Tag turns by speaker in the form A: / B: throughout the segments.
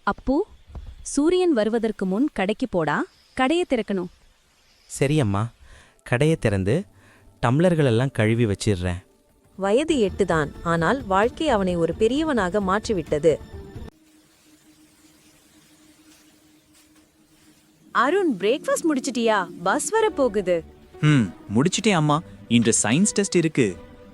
A: அப்பு, சூரியன் வருவதற்கு முன் கடைக்கு போடா, கடையை திறக்கணும்.
B: சரியம்மா, கடையை திறந்து டம்ளர்களெல்லாம் கழுவி வச்சிடுறேன்.
C: வயது 8 தான், ஆனால் வாழ்க்கை அவனை ஒரு பெரியவனாக மாற்றிவிட்டது.
A: அருண், பிரேக்ஃபாஸ்ட் முடிச்சிட்டியா? பஸ் வர போகுது.
D: முடிச்சிட்டேன் அம்மா. இன்று சயின்ஸ் டெஸ்ட் இருக்கு.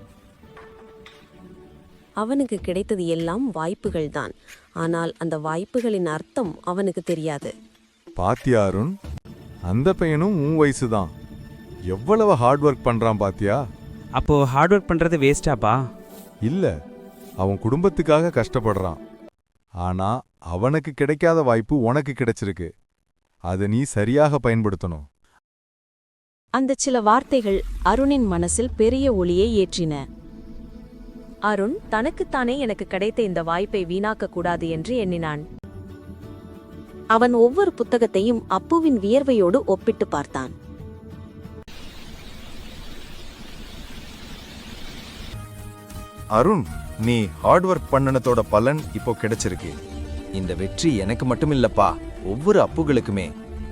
C: அவனுக்கு கிடைத்தது எல்லாம் வாய்ப்புகள்தான், ஆனால் அந்த வாய்ப்புகளின் அர்த்தம் அவனுக்கு தெரியாது.
E: பாத்தியா அருண், அந்த பையனும் உன் வயசுதான். எவ்வளவு ஹார்ட் ஒர்க் பண்றான் பாத்தியா?
F: அப்போ ஹார்ட் ஒர்க் பண்றது வேஸ்டாப்பா?
E: இல்ல, அவன் குடும்பத்துக்காக கஷ்டப்படுறான். ஆனா அவனுக்கு கிடைக்காத வாய்ப்பு உனக்கு கிடைச்சிருக்கு. அதை நீ சரியாக பயன்படுத்தணும்.
C: அந்த சில வார்த்தைகள் அருணின் மனசில் பெரிய ஒளியை ஏற்றின. அருண் தனக்குத்தானே எனக்கு கிடைத்த இந்த வாய்ப்பை வீணாக்க கூடாது என்று எண்ணினான். அவன் ஒவ்வொரு புத்தகத்தையும் அப்புவின் வியர்வையோடு ஒப்பிட்டு பார்த்தான்.
G: அருண், நீ ஹார்ட் ஒர்க் பண்ணனதோட பலன் இப்போ கிடைச்சிருக்கு. இந்த வெற்றி எனக்கு மட்டும் இல்லப்பா, ஒவ்வொரு அப்புகளுக்குமே.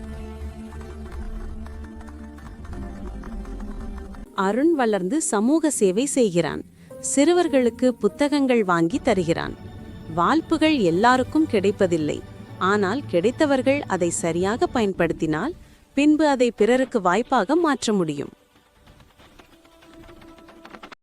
C: அருண் வளர்ந்து சமூக சேவை செய்கிறான். சிறுவர்களுக்கு புத்தகங்கள் வாங்கி தருகிறான். வாய்ப்புகள் எல்லாருக்கும் கிடைப்பதில்லை, ஆனால் கிடைத்தவர்கள் அதை சரியாக பயன்படுத்தினால் பின்பு அதை பிறருக்கு வாய்ப்பாக மாற்ற முடியும்.